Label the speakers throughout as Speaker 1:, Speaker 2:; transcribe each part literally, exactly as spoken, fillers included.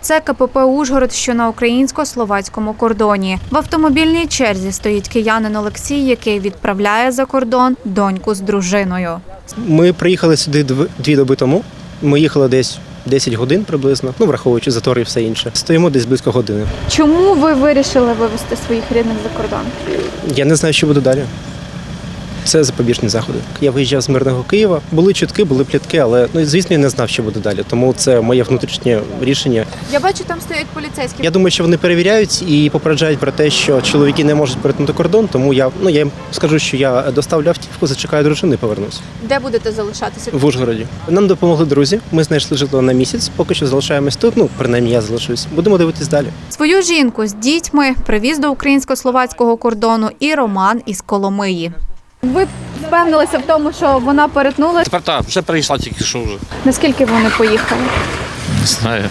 Speaker 1: Це ка пе пе «Ужгород», що на українсько-словацькому кордоні. В автомобільній черзі стоїть киянин Олексій, який відправляє за кордон доньку з дружиною.
Speaker 2: Ми приїхали сюди дві доби тому. Ми їхали десь десять годин приблизно, ну, враховуючи затори і все інше. Стоїмо десь близько години.
Speaker 1: Чому ви вирішили вивезти своїх рідних за кордон?
Speaker 2: Я не знаю, що буде далі. Це запобіжні заходи. Я виїжджав з мирного Києва. Були чутки, були плітки, але, ну, звісно, я не знав, що буде далі. Тому це моє внутрішнє рішення.
Speaker 1: Я бачу, там стоять поліцейські.
Speaker 2: Я думаю, що вони перевіряють і попереджають про те, що чоловіки не можуть перетнути кордон, тому я, ну, я їм скажу, що я доставлю автівку, зачекаю дружину і повернусь.
Speaker 1: Де будете залишатися?
Speaker 2: В Ужгороді. Нам допомогли друзі. Ми знайшли житло на місяць. Поки що залишаємось тут. Ну, принаймні, я залишусь. Будемо дивитись далі.
Speaker 1: Свою жінку з дітьми привіз до українсько-словацького кордону і Роман із Коломиї. Ви впевнилися в тому, що вона перетнула?
Speaker 3: Тепер так, вже перейшла тільки що вже.
Speaker 1: Наскільки вони поїхали?
Speaker 3: Не знаю.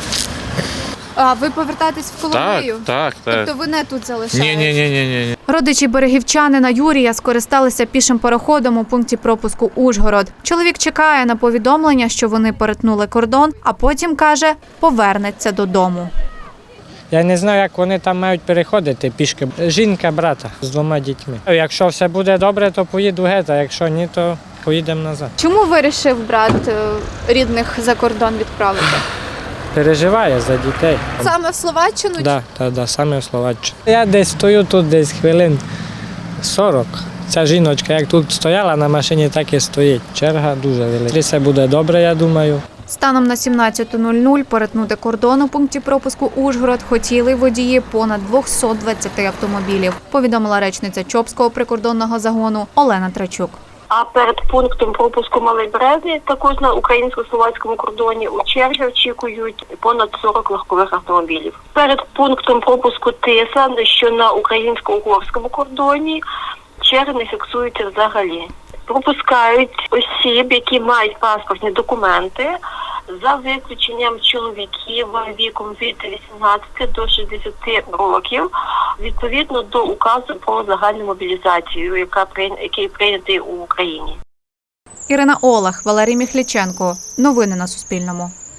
Speaker 1: А ви повертаєтесь в Коломию?
Speaker 3: Так, так, так.
Speaker 1: Тобто ви не тут залишаєтесь?
Speaker 3: Ні, ні, ні, ні, ні.
Speaker 1: Родичі берегівчанина Юрія скористалися пішим переходом у пункті пропуску Ужгород. Чоловік чекає на повідомлення, що вони перетнули кордон, а потім, каже, повернеться додому.
Speaker 4: Я не знаю, як вони там мають переходити пішки. Жінка, брата з двома дітьми. Якщо все буде добре, то поїду геть, а якщо ні, то поїдемо назад.
Speaker 1: Чому вирішив брат рідних за кордон відправити?
Speaker 4: Переживає за дітей.
Speaker 1: Саме в Словаччину?
Speaker 4: Так, так, так, саме в Словаччині. Я десь стою тут десь хвилин сорок. Ця жіночка, як тут стояла на машині, так і стоїть. Черга дуже велика. Все буде добре, я думаю.
Speaker 1: Станом на сімнадцяту нуль нуль перетнути кордон у пункті пропуску Ужгород хотіли водії понад двісті двадцять автомобілів, повідомила речниця Чопського прикордонного загону Олена Трачук.
Speaker 5: А перед пунктом пропуску Малий Березі, також на українсько-словацькому кордоні, у черзі очікують понад сорок легкових автомобілів. Перед пунктом пропуску Тиса, що на українсько-угорському кордоні, черги не фіксуються взагалі. Пропускають осіб, які мають паспортні документи, за виключенням чоловіків віком від вісімнадцяти до шістдесяти років, відповідно до указу про загальну мобілізацію, яка який прийнятий у Україні.
Speaker 1: Ірина Олег, Валерій Міхліченко. Новини на Суспільному.